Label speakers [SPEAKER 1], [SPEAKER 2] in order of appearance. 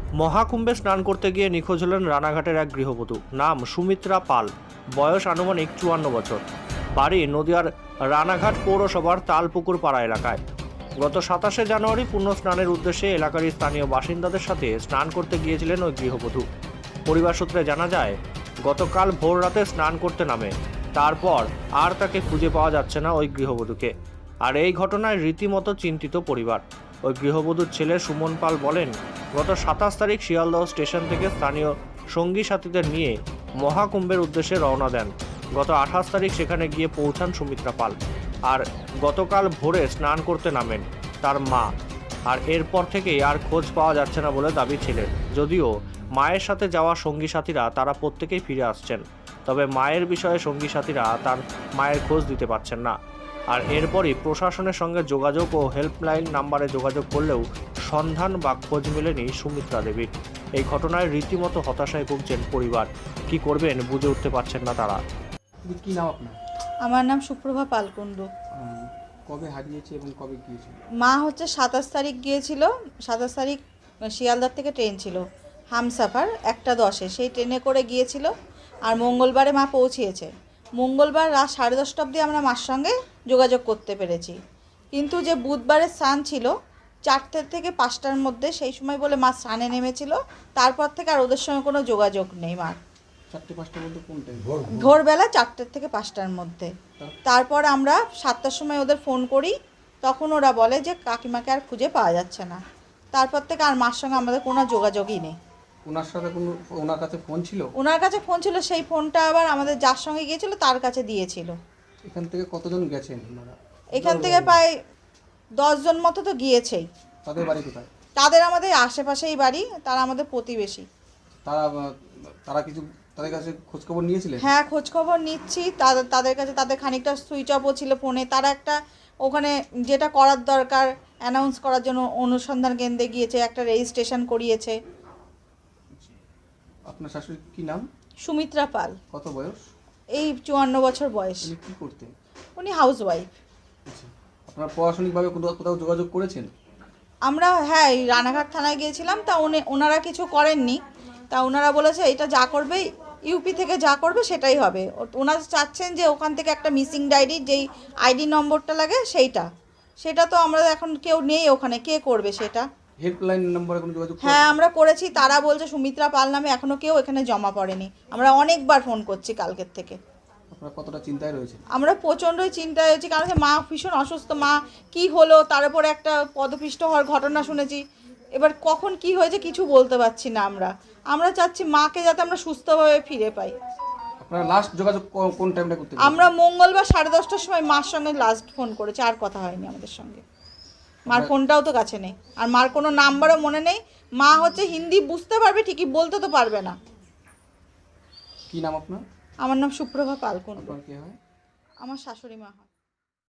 [SPEAKER 1] মহাকুম্ভে স্নান করতে গিয়ে নিখোঁজ হলেন রানাঘাটের এক গৃহবধূ। নাম সুমিত্রা পাল, বয়স আনুমানিক 54 বছর। বাড়ি নদিয়ার রানাঘাট পৌরসভার তালপুকুর পাড়া এলাকায়। গত 27শে জানুয়ারি পুণ্য স্নানের উদ্দেশ্যে এলাকার স্থানীয় বাসিন্দাদের সাথে স্নান করতে গিয়েছিলেন ওই গৃহবধূ। পরিবার সূত্রে জানা যায়, গতকাল ভোর রাতে স্নান করতে নামে, তারপর আর তাকে খুঁজে পাওয়া যাচ্ছে না ওই গৃহবধূকে। আর এই ঘটনায় রীতিমতো চিন্তিত পরিবার। ওই গৃহবধূর ছেলে সুমন পাল বলেন, গত 27 তারিখ শিয়ালদহ স্টেশন থেকে স্থানীয় সঙ্গী সাথীদের নিয়ে মহাকুম্ভের উদ্দেশ্যে রওনা দেন। গত 28 তারিখ সেখানে গিয়ে পৌঁছান সুমিত্রা পাল। আর গতকাল ভোরে স্নান করতে নামেন তার মা। আর এরপর থেকেই আর খোঁজ পাওয়া যাচ্ছে না বলে দাবি ছেলের। যদিও মায়ের সাথে যাওয়া সঙ্গী সাথীরা তারা প্রত্যেকেই ফিরে আসছেন, তবে মায়ের বিষয়ে সঙ্গী সাথীরা তার মায়ের খোঁজ দিতে পারছেন না। আর এরপরই প্রশাসনের সঙ্গে যোগাযোগ ও হেল্পলাইন নাম্বারে যোগাযোগ করলেও সন্ধান বা খোঁজ মেলেনি সুমিত্রা দেবীর। এই ঘটনায় রীতিমতো হতাশায় ভুগছেন পরিবার। কি করবেন বুঝে উঠতে পারছেন না তারা।
[SPEAKER 2] কি নাম আপনার?
[SPEAKER 3] আমার নাম সুপ্রভা পালকুণ্ডু।
[SPEAKER 2] কবে হারিয়েছে এবং কবে গিয়েছিল?
[SPEAKER 3] মা হচ্ছে 27 তারিখ গিয়েছিল। 27 তারিখ শিয়ালদার থেকে ট্রেন ছিল হামসাফার 1:10-এ, সেই ট্রেনে করে গিয়েছিল। আর মঙ্গলবারে মা পৌঁছিয়েছে। মঙ্গলবার রাত 10:30 অবধি আমরা মার সঙ্গে যোগাযোগ করতে পেরেছি, কিন্তু যে বুধবারের স্নান ছিল 4টে থেকে 5টার মধ্যে, সেই সময় বলে মা স্নানে নেমেছিল। তারপর থেকে আর ওদের সঙ্গে কোনো যোগাযোগ নেই মার।
[SPEAKER 2] 4-5টার মধ্যে কোন টাইম?
[SPEAKER 3] ভোরবেলা 4টে থেকে 5টার মধ্যে। তারপর আমরা 7টার সময় ওদের ফোন করি, তখন ওরা বলে যে কাকিমাকে আর খুঁজে পাওয়া যাচ্ছে না। তারপর থেকে আর মার সঙ্গে আমাদের কোনো যোগাযোগই নেই।
[SPEAKER 2] ওনার সাথে কোনো ওনার কাছে ফোন ছিল?
[SPEAKER 3] ওনার কাছে ফোন ছিল, সেই ফোনটা আবার আমাদের যার সঙ্গে গিয়েছিল তার কাছে দিয়েছিল।
[SPEAKER 2] এখান থেকে কতজন গেছেন ওনারা?
[SPEAKER 3] এখান থেকে প্রায় 10 জন মতো তো গিয়েছেই।
[SPEAKER 2] তাদের বাড়ি কোথায়?
[SPEAKER 3] তাদের আমাদের আশেপাশেই বাড়ি, তারা আমাদের প্রতিবেশী।
[SPEAKER 2] তারা কিছু তাদের কাছে খোঁজ খবর নিয়েছিলেন?
[SPEAKER 3] হ্যাঁ, খোঁজ খবর নিচ্ছি তাদের কাছে। তাদের খানিকটা সুইচ অফও ছিল ফোনে। তারা একটা ওখানে যেটা করার দরকার অ্যানাউন্স করার জন্য অনুসন্ধান কেন্দ্রে গিয়েছে, একটা রেজিস্ট্রেশন করিয়েছে।
[SPEAKER 2] আপনার শাশুড়ি কি নাম?
[SPEAKER 3] সুমিত্রা পাল।
[SPEAKER 2] কত বয়স?
[SPEAKER 3] এই 54 বছর বয়স।
[SPEAKER 2] উনি কি করতেন?
[SPEAKER 3] উনি হাউস ওয়াইফ।
[SPEAKER 2] আচ্ছা, আপনারা প্রশাসনিকভাবে কোথাও যোগাযোগ করেছেন?
[SPEAKER 3] আমরা হ্যাঁ, এই রানাঘাট থানায় গিয়েছিলাম, তা ওনারা কিছু করেননি। তা ওনারা বলেছে এটা যা করবে ইউপি থেকে যা করবে সেটাই হবে। ওনারা চাচ্ছেন যে ওখান থেকে একটা মিসিং ডায়েরি, যেই আইডি নম্বরটা লাগে সেটা তো আমরা এখন কেউ নেই ওখানে, কে করবে সেটা?
[SPEAKER 2] হেল্পলাইন নম্বরে কোনো যোগাযোগ?
[SPEAKER 3] হ্যাঁ, আমরা করেছি। তারা বলছে সুমিত্রা পাল নামে এখনও কেউ এখানে জমা পড়েনি। আমরা অনেকবার ফোন করছি কালকের থেকে।
[SPEAKER 2] আপনারা কতটা চিন্তায় রয়েছে?
[SPEAKER 3] আমরা প্রচণ্ডই চিন্তায় হয়েছি, কারণ মা ভীষণ অসুস্থ। মা কি হলো, তার উপরে একটা পদপিষ্ট হওয়ার ঘটনা শুনেছি। এবার কখন কি হয়েছে কিছু বলতে পারছি না। আমরা চাচ্ছি মাকে যাতে আমরা সুস্থভাবে ফিরে পাই।
[SPEAKER 2] আপনারা লাস্ট যোগাযোগ কোন টাইমটা করতে?
[SPEAKER 3] আমরা মঙ্গলবার 10:30টার সময় মার সঙ্গে লাস্ট ফোন করেছি, আর কথা হয়নি আমাদের সঙ্গে। মার ফোনটাও তো কাছে নেই, আর মার কোনো নাম্বারও মনে নেই। মা হচ্ছে হিন্দি বুঝতে পারবে ঠিকই, বলতে তো পারবে না।
[SPEAKER 2] কি নাম আপনার?
[SPEAKER 3] আমার নাম সুপ্রভা পালকুণ্ডু।
[SPEAKER 2] আপনার কে হয়?
[SPEAKER 3] আমার শাশুড়ি মা হয়।